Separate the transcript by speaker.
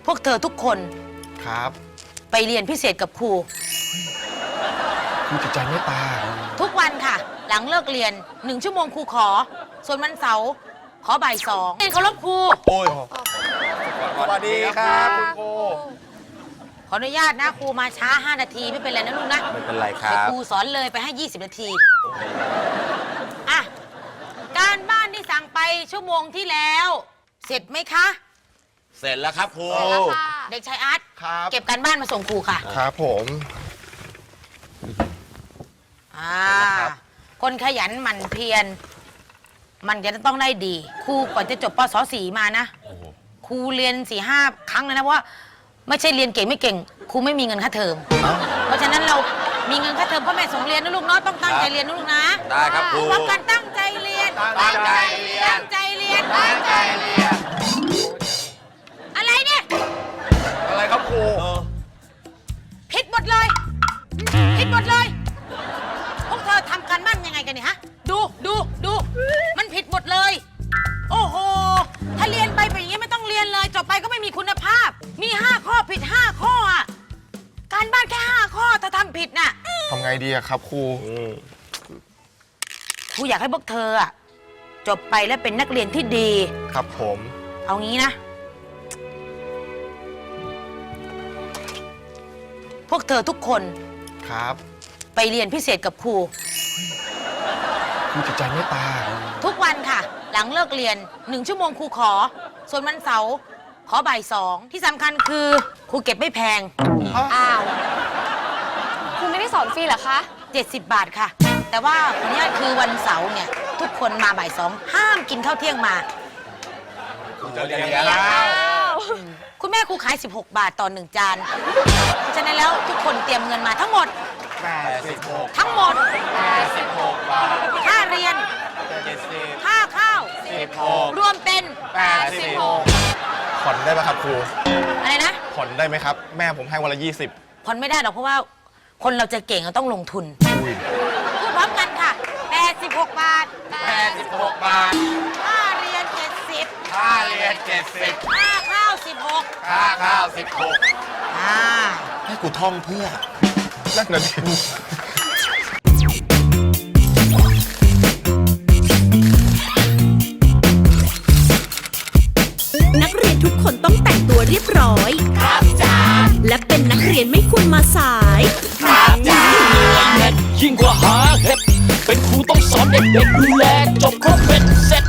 Speaker 1: วกเธอทุกคน
Speaker 2: ครับ
Speaker 1: ไปเรียนพิเศษกับครู
Speaker 2: จิตใจเมตตา
Speaker 1: ทุกวันค่ะหลังเลิกเรียน1 ชั่วโมงครูขอส่วนวันเสาร์ขอบ่าย2เรียนเคารพครู
Speaker 2: โอ้ยสวัสดีครับคุณครู
Speaker 1: ขออนุญาตนะครูมาช้า5 นาทีไม่เป็นไรนะลูกนะ
Speaker 2: ไม่เป็นไรครับ
Speaker 1: ครูสอนเลยไปให้20 นาทีอ่ะการบ้านที่สั่งไปชั่วโมงที่แล้วเสร็จไหมคะ
Speaker 3: เสร็จแล้วครับครู
Speaker 1: เด็กชายอาร์ตเก็บการบ้านมาส่งครูค่ะ
Speaker 2: ครับผม
Speaker 1: คนขยันหมั่นเพียรมันจะต้องได้ดีครูก่อนจะจบปศ.4 มานะครูเรียน4-5 ครั้งเลยนะเพราะว่าไม่ใช่เรียนเก่งไม่เก่งครูไม่มีเงินค่าเทอมเพราะฉะนั้นเรามีเงินค่าเทอมพ่อแม่ส่งเรียนนะลูกเนาะต้องตั้งใจเรียนนะลูกนะ
Speaker 3: ได้ครับครู
Speaker 1: พร้อมกันตั้งใจเรียน
Speaker 3: ตั้งใจเรียน
Speaker 1: ตั้งใจเรียนตั้งใจเรียนอะไรเนี่ย
Speaker 2: อะไรครับครู
Speaker 1: ผิดหมดเลยผิดหมดเลยพวกเธอทำการบ้านยังไงกันเนี่ยฮะดูมันผิดหมดเลยโอ้โหถ้าเรียนไปเป็นอย่างนี้ไม่ต้องเรียนเลยจบไปก็ไม่มีคุณภาพมี5 ข้อผิด5 ข้ออ่ะการบ้านแค่5 ข้อถ้าทำผิดน่ะ
Speaker 2: ทำไงดีอะครับครู
Speaker 1: อยากให้พวกเธออ่ะจบไปแล้วเป็นนักเรียนที่ดี
Speaker 2: ครับผม
Speaker 1: เอางี้นะพวกเธอทุกคน
Speaker 2: ครับ
Speaker 1: ไปเรียนพิเศษกับครู
Speaker 2: จิตใจเมตตา
Speaker 1: ทุกวันค่ะหลังเลิกเรียน1 ชั่วโมงครูขอส่วนวันเสาร์ขอบ่าย2ที่สำคัญคือครูเก็บไม่แพง
Speaker 4: อ้าวครูไม่ได้สอนฟรีเหรอคะ
Speaker 1: 70 บาทค่ะแต่ว่าวันนี้คือวันเสาร์เนี่ยทุกคนมาบ่าย2ห้ามกินข้าวเที่ยงมา
Speaker 3: จะเรียนแล้ว
Speaker 1: คุณแม่ครูขาย16 บาทต่อ1 จานเพราะฉะนั้นแล้วทุกคนเตรียมเงินมาทั้งหมด
Speaker 3: 86
Speaker 1: ทั้งหมด
Speaker 3: 86 บาท
Speaker 1: ค่าเรียน
Speaker 3: 70
Speaker 1: ค่าข้าว
Speaker 3: 16
Speaker 1: รวมเป็น
Speaker 3: 86
Speaker 2: ผ่อนได้ไหมครับครู
Speaker 1: อะไรนะ
Speaker 2: ผ่อนได้ไหมครับแม่ผมให้วันละ20
Speaker 1: ผ่อนไม่ได้หรอกเพราะว่าคนเราจะเก่งเราต้องลงทุนพูดพร้อมกันค่ะ86 บาท
Speaker 3: 86 บาท
Speaker 1: ค่าเรียน70
Speaker 3: ค่าเรียน70
Speaker 1: ค่าข้าว16
Speaker 3: ค่าข้าว16
Speaker 2: ให้กูท่องเพื่อนักเรียน
Speaker 5: นักเรียนทุกคนต้องแต่งตัวเรียบร้อยครับจ้าและเป็นนักเรียนไม่ควรมาสาย
Speaker 3: ครับจ้า
Speaker 6: ยิ่งกว่าหาเห็ดเป็นครูต้องสอนเด็กๆดูแลจบครบเป็นเสร็จ